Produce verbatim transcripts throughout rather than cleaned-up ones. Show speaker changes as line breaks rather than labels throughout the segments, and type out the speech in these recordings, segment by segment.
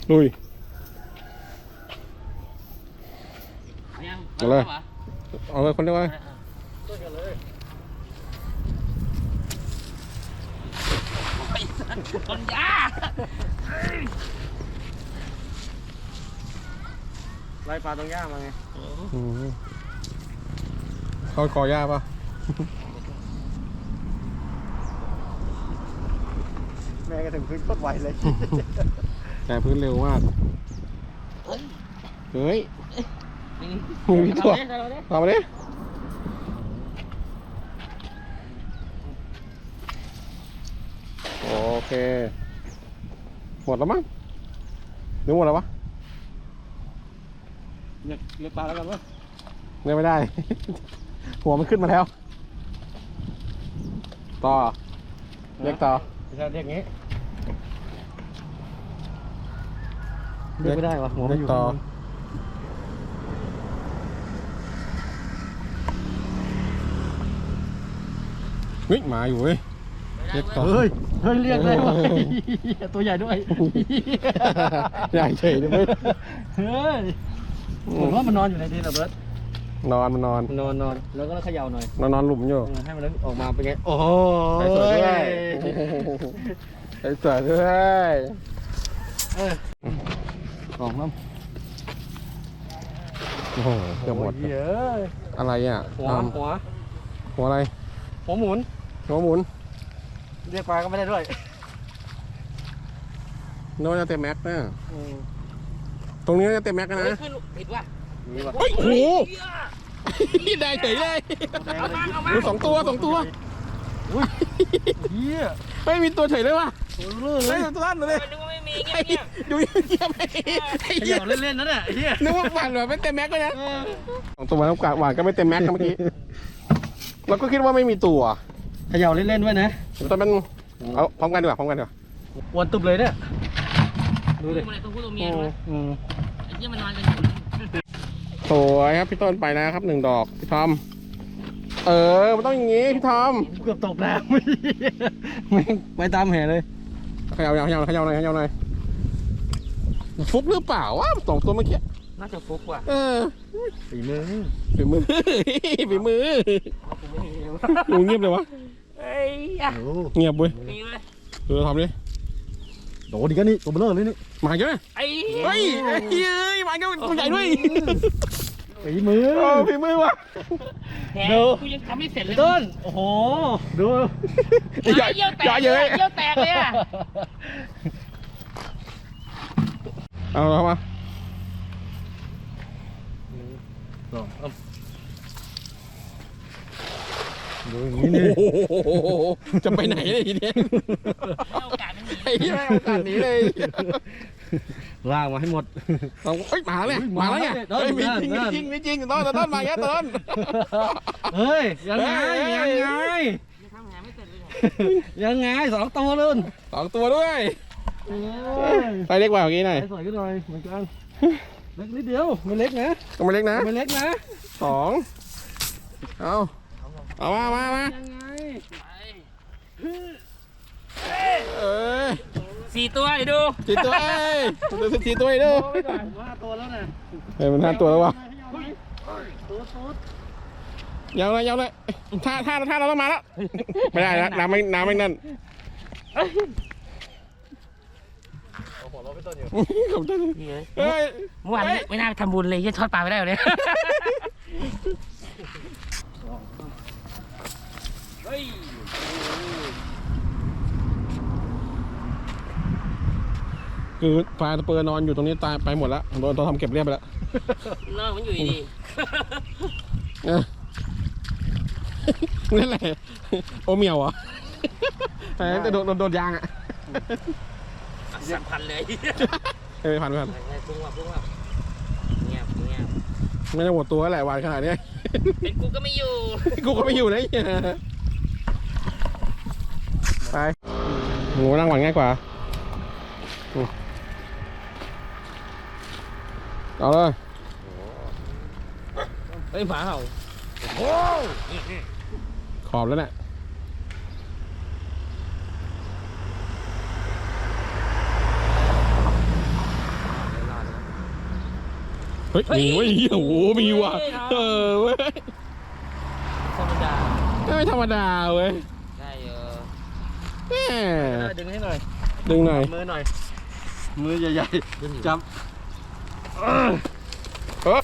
ลุยเอาเลยเอาเลยคนเดียวเลย
คนยา
ไล่ปลาตรงหญ้ามาไง
เขากอหญ้าป่ะ
แม่ก็ถึงพื้นโคตรไวเลย
แต่พื้นเร็วมากเฮ้ยมีตัวเอามาดิโอเคหมดแล้วมั้งหรือหมดแล้ววะ
เลือกเลือกปลาแล้วกันวะ
เลือกไม่ได้ หัวมันขึ้นมาแล้วต่อเรียกต่อ
ไม่ใช่เรียกงี้เรียกไม่ได้วะหัวมันอยู่ต่อ
เฮ้ยมาอยู่เว้ยเรียกต่อ
เฮ้ยเฮ้ยเรียกได้วะตัวใหญ่ด้วย
ใหญ่เฉยเลยเว้ย
เฮ้ยผมว่ามันนอนอยู่ในดินเหรอเบิร์ต
นอนมันนอน
นอนนอนแล้วก็เขย่าหน่อย
นอนนอนหลุมอยู่
ให้มันออกมาเป็นไงโอ้โห
ใส่สวยด้วยใส่สวยด้วย
เออออกมั้ง
โอ้โหเกือบหมด
เยอะ
อะไรอ่ะ
หัวหัว
หัวอะไร
หัวหมุน
หัวหมุน
เรียกปลาก็ไม่ได้ด้วย
โน้ตจะเต็มแม็กนะตรงนี้จะเต็มแม็กนะ
ผิดว่ะ
โอ้โหได้เฉยเลยดูสองตัวสองตัว
อุ้ยเฮีย
ไม่มีตัวเฉยเลยว่ะ
เลย
ตัวลั่นเลย
นึกว่าไม่มีเงี้ย
ดูเงียบไป
เฮียเล่นๆนั่นแหละเฮีย
นึกว่าหวานหรือไม่เต็มแม็กเลยนะสองตัวน้ำกาดหวานก็ไม่เต็มแม็กเมื่อกี้เราก็คิดว่าไม่มีตัว
เขย่าเล่นๆไว้นะ
ตอนมันเอาพร้อมกันดีกว่าพร้อมกันดีกว่า
วนตุบเลยเนี่ย
ดูดิตัวผู้ตัวเมียด้วยไอ้เหี้ยมันนอนกัน
สวยครับพี่ต้นไปนะครับหนึ่งดอกพี่ทอมเออมันต้องอย่างงี้พี่ทอม
เกือบตกแล้วไม่ไปตามแห่เลย
เขย่าเขย่าเขย่าหน่อยเขย่าหน่อยฟุกหรือเปล่าวะสองตัวเมื่อกี้
น่าจะฟุกว่ะ
เออ
ฝีมือ
ฝีมือฝีมือดูเงียบเลยวะเงียบเว้ยเออทำดิ
โดดดิกันนี่ตัวเบลอเลยนี่
มาเยอะไอ้เฮ้ยเฮ้ยมาเยอะตัวใหญ่ด้วย
ฝีมือ
ฝีมือวะ
ดูกูยังทำไม่เสร็จเลย
ต้นโอ้โหดู
ใหญ่เยอะแตกเยอะแตกเลยอ่ะ
เอาเข้ามา
ดูอย่างนี้นี่
จะไปไหนเลยทีเนี้ย
โอกาสไม่มี
ไอ้ที่ไม่โอกาสหนีเลย
ลากมาให้หมด
ต้องเอ้ยมาเลยมาแล้วเนี่ยเฮ้ยมีจริงมีจริงมีจริงต้นต้นมาแค่ต้น
เฮ้ยยังไงยังไงยังไงสองตัวรุ่น
สองตัวด้วยไปเล็กกว่าเมื่อกี้หน่อย
สวยขึ้นหน่อยเหมือนกันเล็กนิดเดียวไม่เล็กนะ
ก็ไม่เล็กนะ
ไม่เล็กนะ
สองเอาเอามามามาเออ
สี่ตัวเดี๋ยวดู
สี่ตัวเอ้ยดูสี่ตัวดู
ห้าตัวแล้วนะ
เฮ้ยมันห้าตัวแล้ววะยาวเลยยาวเลยท่าท่าท่าเราต้องมาแล้วไม่ได้แล้วน้ำไม่น้ำไม่นั่นขอบคุณเฮ้ย
เมื่อวานไม่น่าทำบุญเลยยังทอดปลาไม่ได้เลย
คือปลาตะเปิดนอนอยู่ตรงนี้ตายไปหมดแล้วโดนตัวทำเก็บเรียบไปแล้ว
นอนมันอยู่ดี
นั่นแหละโอเมียวอ่ะแต่จะโดนโดนยางอ่ะ
สัมพันเลย
เฮ้ยพันพัน
พุ่งว่ะพุ่งว่ะเงียบเงียบ
ไม่ได้หมดตัวแหละวานขนาดนี้
เป็นกูก็ไม่อยู่
กูก็ไม่อยู่นะไปงูนั่งหวานง่ายกว่าเอาเลย
เฮ้ยหมาเห่าโอ้
ขอบแล้วเนี่ยเฮ้ยมีเว้ยโอ้โหมีว่ะเออเว้ย
ธรรมดา
ไม่ธรรมดาเว้ย
ได้เออ
แม่
ดึงให้หน่อย
ดึงหน่อย
มือหน่อยมือใหญ่ๆจับ
เออ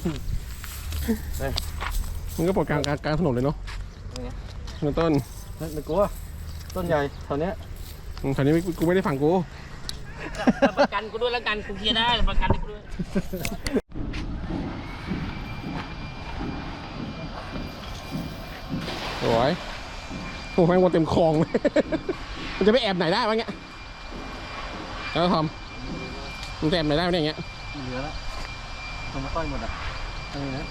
มันก็ปลดกลางกลางถนนเลยเนาะเงินต้น
ไม่กลัวต้นใหญ่แถวเนี้ย
แถวนี้กูไม่ได้ฝั่งกู
ประกันกูด้วยแล้วกันกูเคลียร์ได้ประกันกูด้วย
สวยโอ้แม่งวนเต็มคลองเลย มันจะไปแอบไหนได้วะเงี้ยแล้วทอมมันจะแอบไหนได้วะเนี่ยอย่างเงี้ย
เหลือแล้วทำมาต้อยหมดอ่ะอะไรนะ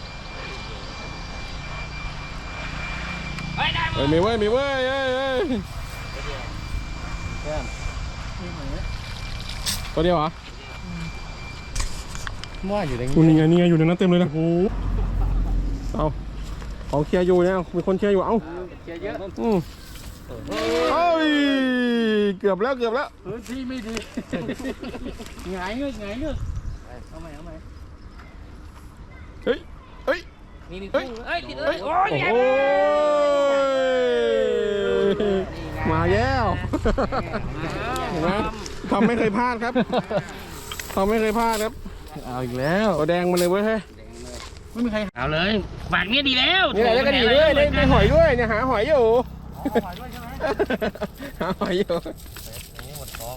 เฮ้ยได้
เฮ้ยมีเว้ยมีเว้ยเอ้ยเอ้ย
แก้มนี่ไหนเนี่ย
ตัวเดียวเหรอ
มั่วอยู่ใน
กูนี่ไงนี่ไงอยู่ในนั้นเต็มเลยนะโอ้เอาของเคลียร์อยู่เนี่ยมีคนเคลียร์อยู่เอ้า
เชียร์เยอะ
อืมเอ้ยเกือบแล้วเกือบแล้ว
พื้นที่ไม่ดีหงายเงือกหงายเงือกเอาใหม่เอาใหม่
เฮ้ยเฮ้ย
มีมีกุ้งเฮ้ยติดเลยโอ้ย
โอ้ยมาแล้วเห็นไหมทำไม่เคยพลาดครับทำไม่เคยพลาดครับ
เอาอีกแล้ว
เอาแดงมาเลยเว้ยเฮ้ย
ไม่มีใคร
เอาเลยฝากนี้ดีแล้ว
นี่แหละแล้วก็ดีด้วยได้ได้หอยด้วยเนี่ยหาหอยอยู่
หอยด้วยใช่ไหม
หาหอยอยู่
นี่หมดท้อง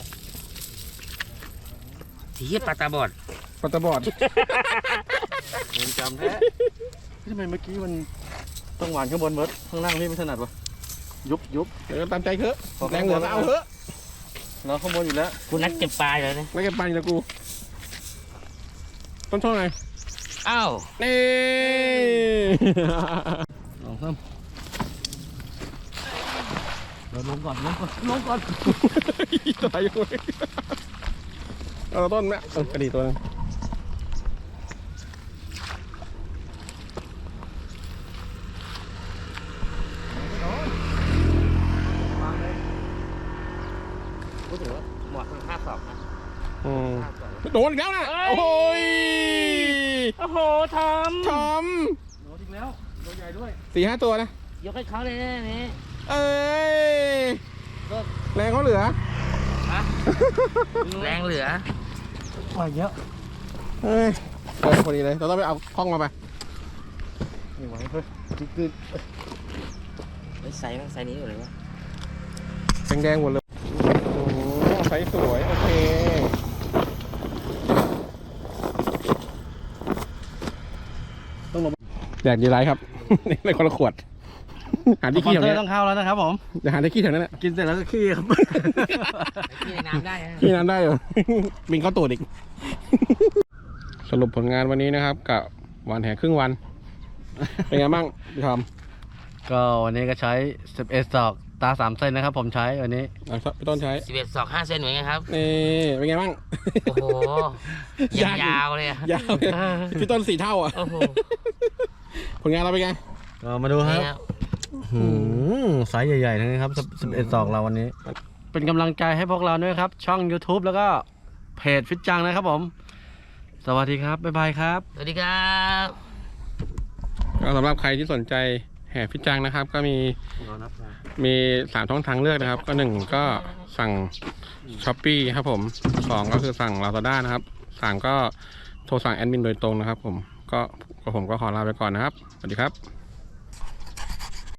ที่ปลาตาบอด
ปลาตะบอด
เงินจำแท้ทำไมเมื่อกี้มันต้องหวานข้างบนเบิร์ดข้างล่างนี่ไม่ถนัดวะยุบยุบ
เดี๋ยวตามใจเถอะแรงเหลือก็เอาเถอะ
เราข้างบนอยู่แล้ว
กูนัดเก็บปลาเลยนะ
ไม่เก็บปันนะกูต้นช่องไง
อ้าว
นี่
ลองเพิ่มเราลงก่อนลงก่อนลงก่อน
ตายอยู่เอาต้นแม่เออกระดีตัวนึง
กูถือว่าหมวกมันห้าสองนะ
อืมโดนอีกแล้วนะโอ้ย
โอ้โหทอม
ทอม
โดนอีกแล้วตัวใหญ่ด้วย
สี่ห้าตัวนะ
ยกให้เขาเลยนะนี่
เอ้ยแรงเขาเหลือ
ฮะแรงเหลือ
มาเยอะ
เฮ้ยเออพอดีเลยเราต้องไปเอาคล้องมาไป
ไม่ไหวเฮ้ยคือคือ
ไอ้ไซส์มันไซส์นี้อยู่เลยวะ
แดงๆหมดเลยโอ้โหไซส์สวยโอเคต้องลงแดกดีไรครับ ในคนละขวดหาที่ขี้แถวนี้
ต้องเข้าแล้วนะครับผม
จะหาที่ขี้แถวนั้นแหละ
กินเสร็จแล้วก็ขี้ครับ
ที่ในน้ำได้ฮะ
ขี้น้ำได้เหรอ บินเข้าตูดอีก สรุปผลงานวันนี้นะครับกับวันแห่ครึ่งวัน เป็นไงบ้างพี่ทอม
ก็วันนี้ก็ใช้สิบเอ็ดศอกตาสามเส้นนะครับผมใช้วันนี้
อ่ะพี่ต้นใช้
สิบเอ็ดศอกห้าเซนเหมือนกันครับ
นี่เป็นไงบ้าง
โอ้โหยาวๆเลยอะ
ยาวเลยพี่ต้นสี่เท่าอ่ะ
โอ้โห
ผลงานเราเป็นไง
ก็มาดูครับ
นี่ครับ
หืมไซส์ใหญ่ๆทั้งนั้นครับสิบเอ็ดศอกเราวันนี้ เป็นกำลังใจให้พวกเราด้วยครับ ช่อง YouTube แล้วก็เพจฟิตจังนะครับผม สวัสดีครับ บ๊ายบายครับ
สวัสดีครับ
ก็สำหรับใครที่สนใจแห่ฟิตจังนะครับ ก็มีมีสามช่องทางเลือกนะครับ ก็หนึ่งก็สั่งช้อปปี้ครับผมสองก็คือสั่งลาซาด้านะครับสามก็โทรสั่งแอดมินโดยตรงนะครับผมก็ผมก็ขอลาไปก่อนนะครับสวัสดีครับ